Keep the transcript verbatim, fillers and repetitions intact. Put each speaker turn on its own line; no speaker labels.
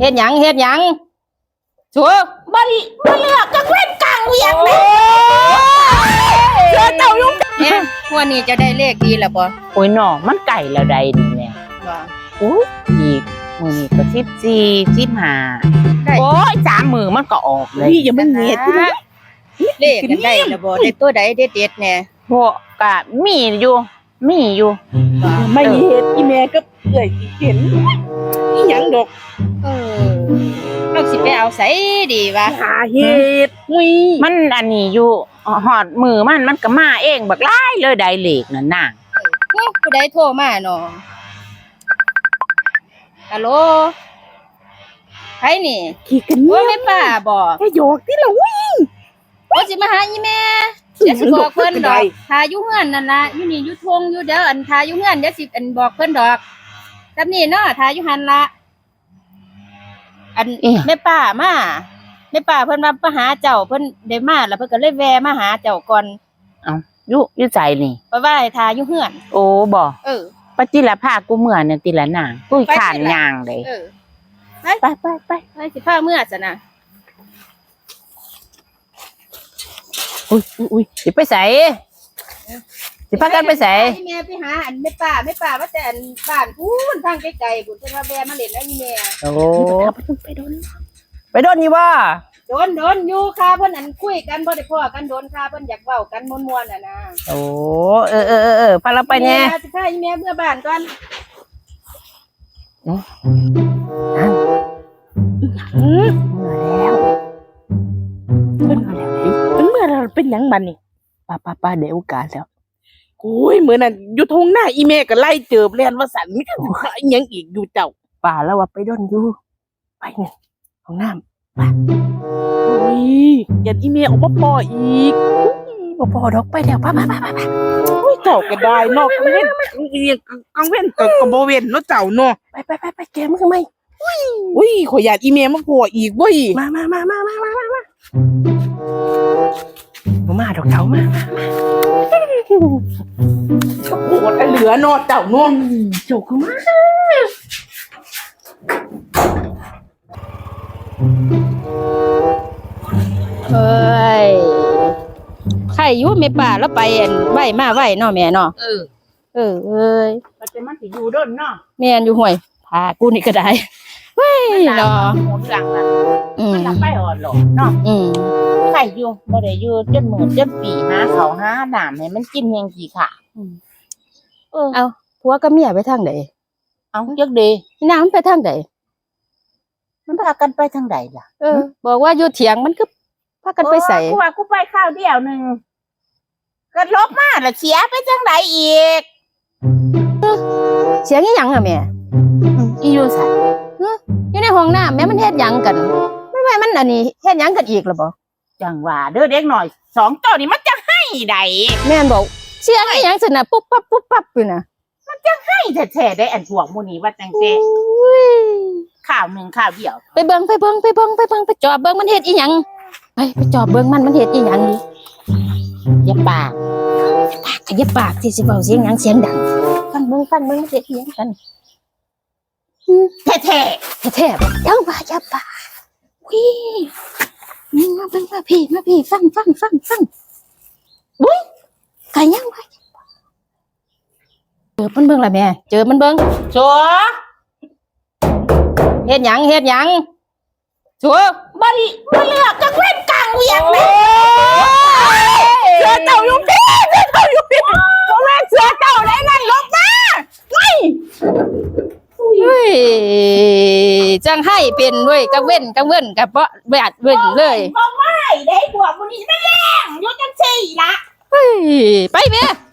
เฮ็ดหยังเฮ็ดหยังชัวบ่บ่เลือกก็เว้นกลางเวียงเลยเจอเจ้าลุงเนี่ยวันนี้จะได้เลขดีแล้วบ่
โอ้ยน้องมันไก่แล้วใดนี่แม่
ว่า
อู้อีกมื้อนี้ก็สิบสี่ สิบห้าโอ้ยสามมื้อมันก็ออกเลย
พี่อย่ามันเงียด
เลขกันได้แล้วบ่ได้ตัวใดเด็ดๆแน่
พวกก็มีอยู่มีอยู่
ไม่เฮ็ดอีแม่ก็เอื่อยสิเห็นอีหยังดอก
เออเราสิไปเอาไสดีวะ
หาเฮ็ดอุ้ย
มันอันนี้อยู่หอดมือมันมันก็มาเองบักหลายเลยได้เลขนั่นน่ะ
เอ้าผู้ใดโทรมาเนาะฮัลโหลใครนี่
ขี้กัน
โอ้ยแม่ป้าบ่
ให้โยกที่ละวิ่ง
โอ้สิมาหาอีแม่เดี๋ยวสิบอกเพิ่นดอกทาอยู่เฮือนนั่นล่ะอยู่นี่อยู่ทงอยู่เด้ออันทาอยู่เฮือนเดี๋ยวสิอันบอกเพิ่นดอกกับนี่เนาะทาอยู่หั่นล่ะอันแม่ป้ามาแม่ป้าเพิ่นว่ามาหาเจ้าเพิ่นได้มาแล้วเพิ่นก็เลยแวะมาหาเจ้าก่อน
เอ้าอยู่อยู่ใจนี่
เพราะว่าให้ทาอยู่เฮือน
โอ้บ่
เออ
ปะจิละพากูเมื่อเนี่ยติละนางกูข้านย่างเลย
เออ
ไปไปไปไป
ไปสิพาเมื่อซะนะ
อุ้ยอุ้ยสิไปไสสิพากันไปไส
แม่ไปหาอันแม่ป้าแม่ป้าว่าแต่อันบ้านพูนทางไกลๆพุ่นเพิ่นว่าแวะมาเล่นแล้วอีแม่
โอ้ไปโดนไปโดนนี่บ่
โดนโดนอยู่ค่ะเพิ่นอันคุยกันบ่ได้พ้อกันโดนค่ะเพิ่นอยากเว้ากันม่วนๆน่ะนะ
โอ้เออเออเออพาเราไปแน่
สิพาอีแม่เมื่อบ้านก่อน
อืออ้าวอือเมื่อแล้ว
มันเมื่อเราเป็นหยังบัดนี่
ป้าป้าป้าเดี๋ยวโอกาสแล้ว
โอ้ยมื้อนั้นอยู่ทงหน้าอีแม่ก็ไล่เจิบแล่นว่าสั่นมีแต่อีหยังอีกอยู่เจ้า
ป้าแล้วว่าไปโดนอยู่ไปนี่ห้องน้ำไป
อุ้ยอย่าอีแม่ออกมาปออีก
บ่พอดอกไปแล้วป้าป้าป้าป้า
อุ้ยเจ้าก็ได้นอกกังเว้นกังเว้นก็ก็บ่เว้นเนาะเจ้าเนาะ
ไปไปไปไปแกมึงทำไม
อุ้ยอุ้ยขอยอยากอีแม่มาพออีกเว้ย
มามามามามามามามาดอกเต๋ามา
โคตรเหลือเนาะเจ้าเนาะ
โจกมา
เอ้ยใครอยู่แม่ป้าแล้วไปอันไว้มาไว้เนาะแม่เนาะ
เออ
เออเอ้ย
มันจะมันสิอยู่ด้นเนาะ
แม่นอยู่ห้วยพากูนี่ก็ได้เฮ้ยเนาะ
หมุนหลังน่ะมันไปอ่อนหรอเนาะ
อืม
ใครอยู่บ่ได้อยู่จนมื้อจนปีหาข้าวหาน้ำให้มันกินแฮงกี่ค่ะ
เออเอาผัวกับเมียไปทางใด
เอ้าจักดี
อีนางมันไปทางใด
มันพากันไปทางใดล่ะ
เออบอกว่าอยู่เถียงมันก็พากันไปใส่
กูว่ากูไปข้าวเดียวนึงก็ลบมาแล้วเสียไปทางใดอีก
เสียงอีหยังอ่ะแม่
อีอยู่ไส
อยู่ในห้องน้ำแม่มันเฮ็ดหยังกันไม่ไม่มันอันนี้เฮ็ดหยังกันอีกหรอบ่
จังว่าเด้อเด็กหน่อยสองตัวนี่มันจะให้ใด
แม่นบอกเสียงอีหยังซั่นน่ะปุ๊บปั๊บปุ๊บปั๊บอยู่น่ะ
มันจะให้แท้ๆได้อันพวกหมู่นี้ว่าจังซี่ข้าวนึงข้าวเดียว
ไปเบิ่งไปเบิ่งไปเบิ่งไปเบิ่งไปจอบเบิ่งมันเฮ็ดอีหยังไปไปจอบเบิ่งมันมันเฮ็ดอีหยังดิอย่าปากอย่าปากที่สิเว้าเสียงหยังเสียงดังฟังเบิ่งฟังเบิ่งเฮ็ดอีหยังกัน
แท้
ๆแท้ๆบ่ยังว่าอย่าปากวินี่มาเบิ่งมาพี่มาพี่ฟังฟังฟังฟังอุ้ยก็ยังว่าเจอมันเบิ่งล่ะแม่เจอมันเบิ่ง
ชัว
เฮ็ดหยังเฮ็ดหยังชัว
บ่บ่เลือกจักเว้นกลางเวียงเลย
เสือเจ้าอยู่พี่เสือเจ้าอยู่พี่บ่แม่นเสือเจ้าได้นั่นลงมาไม่
เฮ้ยจังให้เป็นด้วยกังเว้นกังเว้นกับบ่แบดเว้นเลย
บ่ไม่ได้พวกมื้อนี้แม่งอยู่จังซี่ล่ะ
เฮ้ยไปแม่